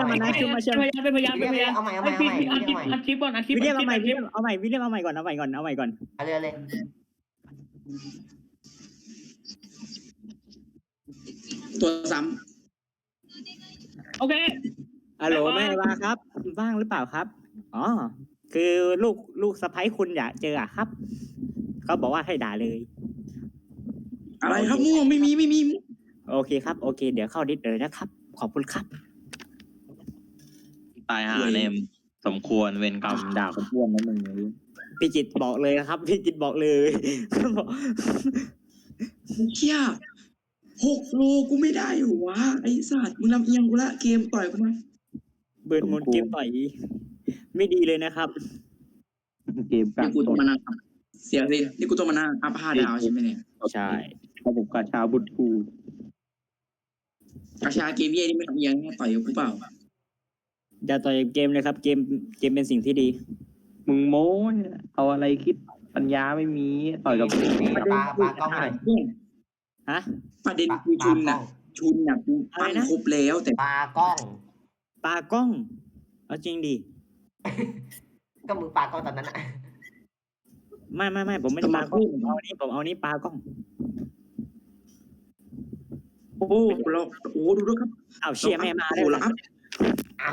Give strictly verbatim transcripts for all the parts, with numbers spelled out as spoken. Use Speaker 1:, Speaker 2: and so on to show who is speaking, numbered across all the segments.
Speaker 1: มานะคิวมาเชื่อ
Speaker 2: เป็นพยานเป็นพยาน
Speaker 3: เอาใหม่เอาใหม่เอาใหม่
Speaker 2: อัดคลิปอัดคลิปก่อนอัดคลิป
Speaker 1: วิลเลียม
Speaker 2: อั
Speaker 1: เอา
Speaker 2: ด
Speaker 1: ใหม่
Speaker 2: คลิป
Speaker 1: เอาใหม่วิลเลียมเอาใหม่ก่อนเอาใหม่ก่อนเอาใหม่ก่อนเอาใหม่ก่อน
Speaker 3: เอาเลยเลย
Speaker 4: ตัวซ้
Speaker 2: โอเค
Speaker 1: ฮัลโหลแม่ว่าครับว่างหรือเปล่าครับอ๋อคือลูกลูกสะใภ้คุณอยากเจออะครับเขาบอกว่าให้ด่าเลย
Speaker 4: ำอะไรครับมั่วไม่มีไม่มี
Speaker 1: โอเคครับโอเคเดี๋ยวเข้าดิสเลยนะครับขอบคุณครับ
Speaker 5: ตายหาเนมสมควรเวรกรรมด่าคนอ้วนนั่นมึง
Speaker 1: พี่จิตบอกเลยนะครับพี่จิตบอกเลยบอก
Speaker 4: เชี่ยหกโลกูไม่ได้อยู่วะไอ้สัตว์มึงลำเอียงกูละเกมต่อยกูมา
Speaker 1: เบิร์นมนเกมต่อยไม่ดีเลยนะครับ
Speaker 5: เกมกั
Speaker 4: นี่
Speaker 5: น
Speaker 4: กูต้องมานั่งเสียสินี่กูต้องมานั่งอัพห้าดาวใช่ไหมเนี่ย
Speaker 1: ใช่
Speaker 5: เขาผมกาชาบุตรกู
Speaker 4: กระชาเกมเย่นี่ไม่ลำเอียงแน่ต่อยกับกูเปล่า
Speaker 1: อย่าต่อยเกมเลยครับเกมเกมเป็นสิ่งที่ดี
Speaker 5: มึงโม้เอาอะไรคิดปัญญาไม่มีต่อยกับ
Speaker 3: ปลาปลากล้องหน่อย
Speaker 1: ฮะ
Speaker 4: ประเด็น
Speaker 3: ปลา
Speaker 4: คือ
Speaker 3: ป
Speaker 4: ชุ
Speaker 3: ลาน กล้
Speaker 4: น่ะ
Speaker 3: อง
Speaker 4: ชุนน่ะกูปั้นครบแล้วแต่
Speaker 3: ปลากล้อง
Speaker 1: ปลากล้องเอาจริงดิ
Speaker 3: ก็มึงปลากล้องตอนนั้นอะ
Speaker 1: ไม่ไม่ไม่ผมไม่ได้ปลากล้องผมเอานี่ผมเอานี่ปลากล้อง
Speaker 4: โอ้โหเราโอ้ดูด้วยครับ
Speaker 1: เอาเชียร์แม่มา
Speaker 4: โอ้
Speaker 1: ได้
Speaker 4: โห
Speaker 1: แล้
Speaker 4: เรา
Speaker 1: ว
Speaker 4: อัพ
Speaker 3: อ้าว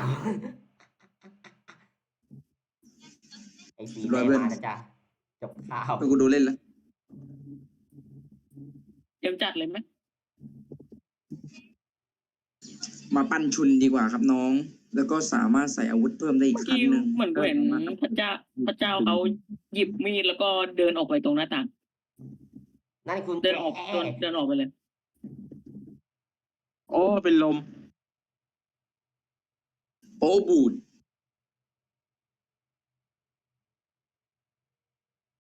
Speaker 3: ไอซีไม่มานะจ๊ะจบข่าว
Speaker 4: ไปกูดูเล่นแล้ว
Speaker 2: เดี๋ยวจัดเลยไหม
Speaker 4: มาปั้นชุนดีกว่าครับน้อง แล้วก็สามารถใส่อาวุธเพิ่มได้อีก
Speaker 2: เมื่อ
Speaker 4: ครั้ง
Speaker 2: กี้
Speaker 4: หนึ่ง
Speaker 2: เหมือนกูเห็นพระเจ้าพระเจ้าเขาหยิบมีดแล้วก็เดินออกไปตรงหน้าต่าง
Speaker 3: นั่นคุณ
Speaker 2: เดินออกเดินเดินออกไปเลย
Speaker 5: โอ้เป็นลม
Speaker 4: โอ้บูด